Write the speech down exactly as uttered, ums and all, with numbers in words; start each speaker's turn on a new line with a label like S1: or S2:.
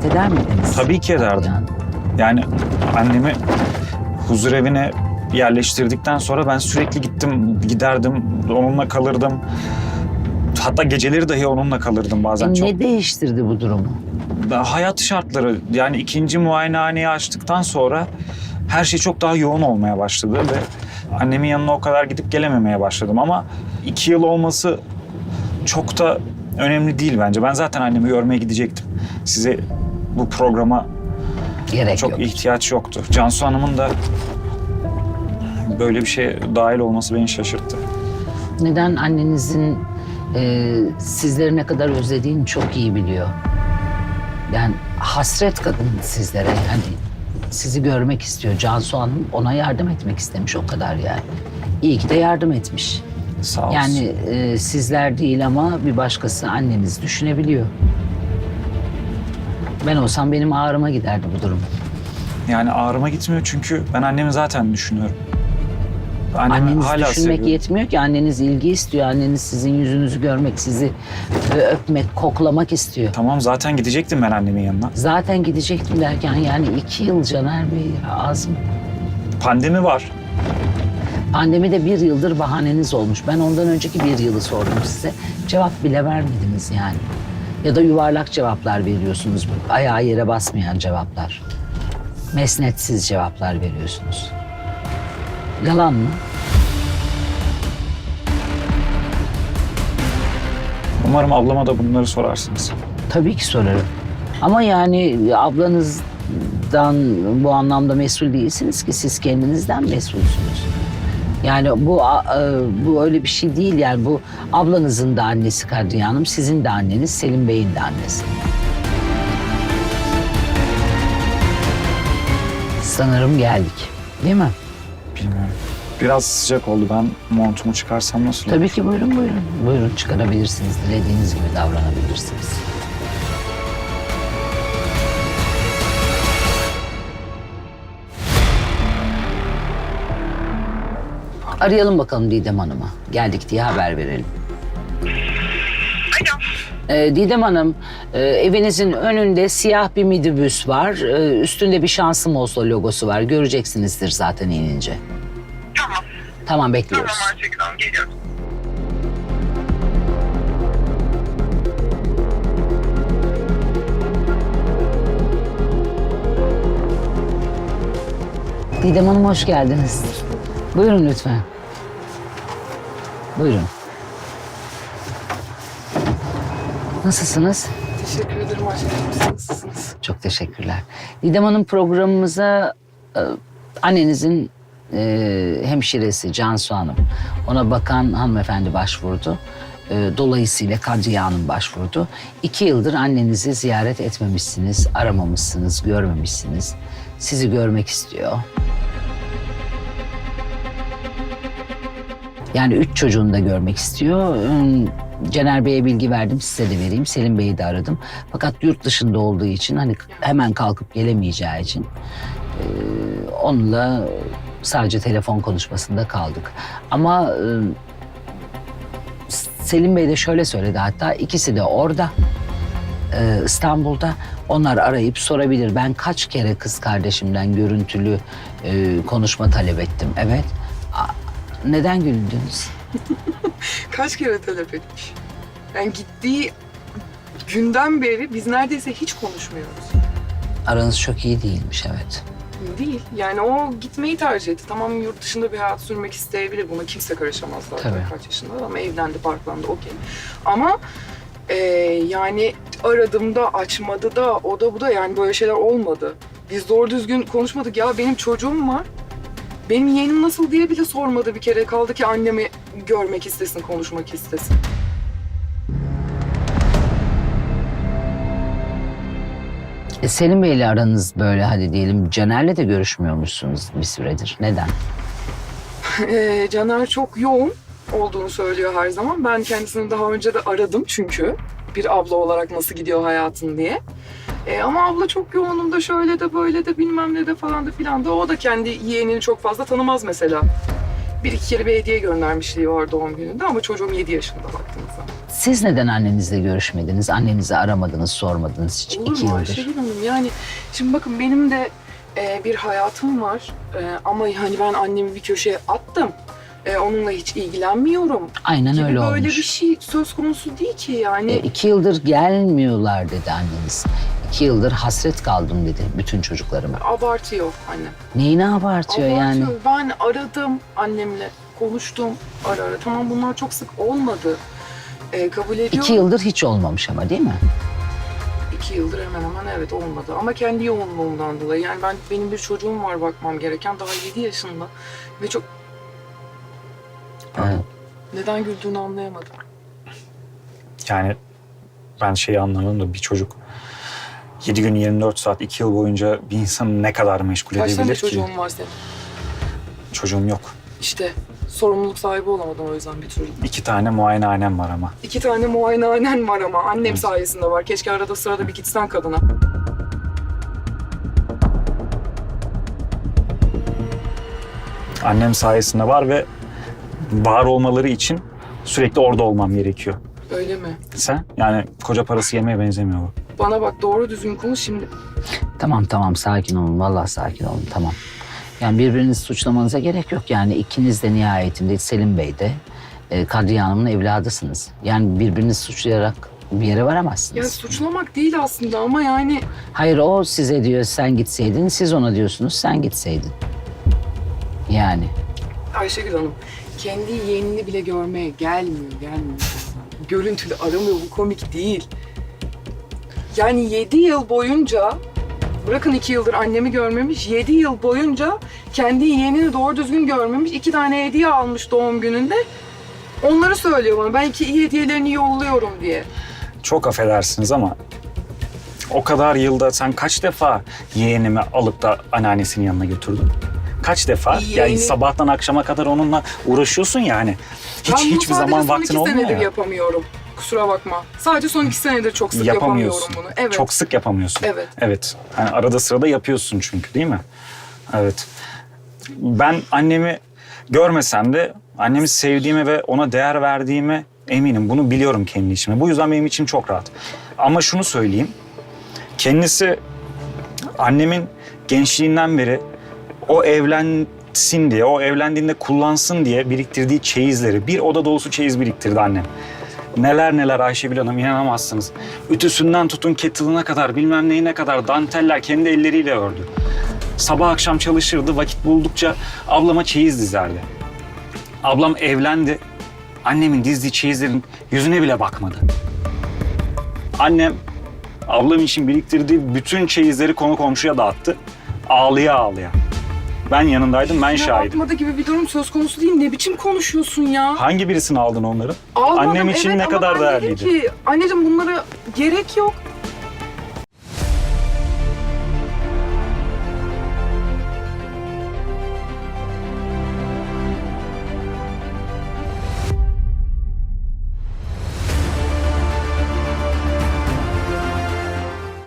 S1: ziyaret eder miydiniz?
S2: Tabii ki ederdim.
S1: Yani.
S2: Yani annemi huzur evine yerleştirdikten sonra ben sürekli gittim, giderdim, onunla kalırdım. Hatta geceleri dahi onunla kalırdım bazen.
S1: E,
S2: çok.
S1: Ne değiştirdi bu durumu?
S2: Hayat şartları, yani ikinci muayenehaneyi açtıktan sonra her şey çok daha yoğun olmaya başladı ve annemin yanına o kadar gidip gelememeye başladım. Ama iki yıl olması çok da önemli değil bence. Ben zaten annemi görmeye gidecektim. Size bu programa
S1: Gerek
S2: çok
S1: yok.
S2: ihtiyaç yoktu. Cansu Hanım'ın da böyle bir şeye dahil olması beni şaşırttı.
S1: Neden annenizin e, sizleri ne kadar özlediğini çok iyi biliyor. Yani hasret kadın sizlere, yani sizi görmek istiyor. Cansu Hanım ona yardım etmek istemiş, o kadar yani. İyi ki de yardım etmiş.
S2: Sağ olsun.
S1: Yani e, sizler değil ama bir başkası anneniz düşünebiliyor. Ben olsam benim ağrıma giderdi bu durum.
S2: Yani ağrıma gitmiyor çünkü ben annemi zaten düşünüyorum. Annemi
S1: Anneniz
S2: hala
S1: düşünmek
S2: seviyorum.
S1: yetmiyor ki, anneniz ilgi istiyor. Anneniz sizin yüzünüzü görmek, sizi öpmek, koklamak istiyor.
S2: Tamam, zaten gidecektim ben annemin yanına.
S1: Zaten gidecektim derken yani iki yıl Caner Bey, az mı?
S2: Pandemi var.
S1: Pandemide bir yıldır bahaneniz olmuş. Ben ondan önceki bir yılı sordum size. Cevap bile vermediniz yani. Ya da yuvarlak cevaplar veriyorsunuz. Ayağı yere basmayan cevaplar. Mesnetsiz cevaplar veriyorsunuz. Yalan mı?
S2: Umarım ablama da bunları sorarsınız.
S1: Tabii ki sorarım. Ama yani ablanızdan bu anlamda mesul değilsiniz ki, siz kendinizden mesulsünüz. Yani bu bu öyle bir şey değil yani, bu ablanızın da annesi Kadriye Hanım, sizin de anneniz, Selim Bey'in de annesi. Sanırım geldik, değil mi?
S2: Bilmiyorum. Biraz sıcak oldu. Ben montumu çıkarsam nasıl olur?
S1: Tabii ki, buyurun buyurun. Buyurun, çıkarabilirsiniz. Dilediğiniz gibi davranabilirsiniz. Arayalım bakalım Didem Hanım'a. Geldik diye haber verelim.
S3: Alo.
S1: Ee, Didem Hanım, e, evinizin önünde siyah bir minibüs var. Ee, üstünde bir Şansım Olsa logosu var. Göreceksinizdir zaten inince.
S3: Tamam.
S1: Tamam, bekliyoruz.
S3: Tamam Ayşegül Hanım, geliyorum.
S1: Didem Hanım, hoş geldiniz. Buyurun lütfen. Buyurun. Nasılsınız?
S4: Teşekkür ederim Ayşegül. Siz nasılsınız?
S1: Çok teşekkürler. Didem Hanım, programımıza e, annenizin e, hemşiresi Cansu Hanım, ona bakan hanımefendi başvurdu. E, dolayısıyla Kadriye Hanım başvurdu. İki yıldır annenizi ziyaret etmemişsiniz, aramamışsınız, görmemişsiniz. Sizi görmek istiyor. Yani üç çocuğunu da görmek istiyor. Caner Bey'e bilgi verdim, size de vereyim. Selim Bey'i de aradım. Fakat yurt dışında olduğu için, hani hemen kalkıp gelemeyeceği için e, onunla sadece telefon konuşmasında kaldık. Ama e, Selim Bey de şöyle söyledi, hatta ikisi de orada, e, İstanbul'da. Onlar arayıp sorabilir. Ben kaç kere kız kardeşimden görüntülü e, konuşma talep ettim. Evet. Neden güldünüz?
S4: Kaç kere talep etmiş? Yani gittiği günden beri biz neredeyse hiç konuşmuyoruz.
S1: Aranız çok iyi değilmiş, evet.
S4: Değil. Yani o gitmeyi tercih etti. Tamam, yurt dışında bir hayat sürmek isteyebilir. Buna kimse karışamaz zaten.
S1: Tabii.
S4: Kaç yaşında ama evlendi, parklandı, okey. Ama e, yani aradığımda açmadı da o da bu da, yani böyle şeyler olmadı. Biz doğru düzgün konuşmadık. Ya benim çocuğum var. Benim yeğenim nasıl diye bile sormadı bir kere. Kaldı ki annemi görmek istesin, konuşmak istesin.
S1: E, Selim Bey'le aranız böyle, hadi diyelim Caner'le de görüşmüyormuşsunuz bir süredir. Neden?
S4: Ee, Caner çok yoğun olduğunu söylüyor her zaman. Ben kendisini daha önce de aradım çünkü. Bir abla olarak nasıl gidiyor hayatın diye. Ee, ama abla çok yoğunum da şöyle de böyle de bilmem ne de falan da filan da. O da kendi yeğenini çok fazla tanımaz mesela. Bir iki kere bir hediye göndermişliği var doğum gününde ama çocuğum yedi yaşında baktığınız zaman.
S1: Siz neden annenizle görüşmediniz? Annenizi aramadınız, sormadınız hiç
S4: Olur
S1: iki
S4: mu
S1: yıldır.
S4: Ayşegül Hanım? Yani şimdi bakın benim de e, bir hayatım var. E, ama hani ben annemi bir köşeye attım. E, onunla hiç ilgilenmiyorum.
S1: Aynen
S4: Gibi
S1: öyle
S4: böyle
S1: olmuş.
S4: bir şey söz konusu değil ki yani.
S1: E, iki yıldır gelmiyorlar dedi anneniz. İki yıldır hasret kaldım dedi bütün çocuklarıma.
S4: Abartıyor annem.
S1: Neyini abartıyor, yani?
S4: Abartıyor. Ben aradım annemle, konuştum ara ara. Tamam bunlar çok sık olmadı. E, kabul ediyorum.
S1: İki yıldır hiç olmamış ama değil mi?
S4: İki yıldır hemen hemen evet olmadı. Ama kendi yoğunluğumdan dolayı. Yani ben benim bir çocuğum var bakmam gereken. Daha yedi yaşında. Ve çok...
S1: Evet.
S4: Neden güldüğünü anlayamadım.
S2: Yani ben şeyi anlamadım da bir çocuk yedi gün yirmi dört saat iki yıl boyunca bir insanı ne kadar meşgul
S4: Kaç tane
S2: edebilir ki?
S4: çocuğun var senin?
S2: Çocuğum yok.
S4: İşte sorumluluk sahibi olamadın o yüzden bir türlü.
S2: İki tane muayenehanem var ama.
S4: İki tane muayenehanen var ama annem sayesinde var. Keşke arada sırada bir gitsen kadına.
S2: Annem sayesinde var ve var olmaları için sürekli orada olmam gerekiyor.
S4: Öyle mi?
S2: Sen? Yani koca parası yemeye benzemiyor bu.
S4: Bana bak doğru düzgün konuş şimdi.
S1: Tamam tamam sakin olun. Vallahi sakin olun, tamam. Yani birbirinizi suçlamanıza gerek yok. Yani ikiniz de nihayetinde Selim Bey de e, Kadriye Hanım'ın evladısınız. Yani birbirinizi suçlayarak bir yere varamazsınız.
S4: Ya suçlamak değil aslında ama yani...
S1: Hayır, o size diyor sen gitseydin, siz ona diyorsunuz sen gitseydin. Yani.
S4: Ayşegül Hanım kendi yeğenini bile görmeye gelmiyor, gelmiyor. Görüntülü aramıyor, bu komik değil. Yani yedi yıl boyunca, bırakın iki yıldır annemi görmemiş, yedi yıl boyunca kendi yeğenini doğru düzgün görmemiş. İki tane hediye almış doğum gününde. Onları söylüyor bana, ben iki iyi hediyelerini yolluyorum diye.
S2: Çok affedersiniz ama o kadar yılda sen kaç defa yeğenimi alıp da anneannesinin yanına götürdün? Kaç defa?
S4: Yeğeni-
S2: Yani sabahtan akşama kadar onunla uğraşıyorsun yani. Hiç
S4: Ben bunu
S2: hiçbir zaman
S4: sadece son
S2: vaktin
S4: iki
S2: olmuyor
S4: senedir
S2: ya.
S4: yapamıyorum. Kusura bakma. Sadece son iki senedir çok sık yapamıyorum
S2: Yapamıyorsun.
S4: bunu. Evet.
S2: Çok sık yapamıyorsun.
S4: Evet.
S2: Evet. Yani arada sırada yapıyorsun çünkü değil mi? Evet. Ben annemi görmesem de annemi sevdiğime ve ona değer verdiğime eminim. Bunu biliyorum kendi içime. Bu yüzden benim içim çok rahat. Ama şunu söyleyeyim. Kendisi annemin gençliğinden beri o evlensin diye, o evlendiğinde kullansın diye biriktirdiği çeyizleri, bir oda dolusu çeyiz biriktirdi annem. Neler neler Ayşegül Hanım, inanamazsınız. Ütüsünden tutun kettle'ına kadar, bilmem neyine kadar danteller kendi elleriyle ördü. Sabah akşam çalışırdı, vakit buldukça ablama çeyiz dizerdi. Ablam evlendi, annemin dizdiği çeyizlerin yüzüne bile bakmadı. Annem ablam için biriktirdiği bütün çeyizleri konu komşuya dağıttı. Ağlıya ağlıya. Ben yanındaydım, ben
S4: Ya
S2: şahidim.
S4: bakmadı gibi bir durum söz konusu değil. Ne biçim konuşuyorsun ya?
S2: Hangi birisini aldın onları?
S4: Almadım,
S2: Annem için
S4: evet,
S2: ne
S4: ama
S2: kadar
S4: ben dedim
S2: değerliydi?
S4: ki anneciğim bunlara gerek yok.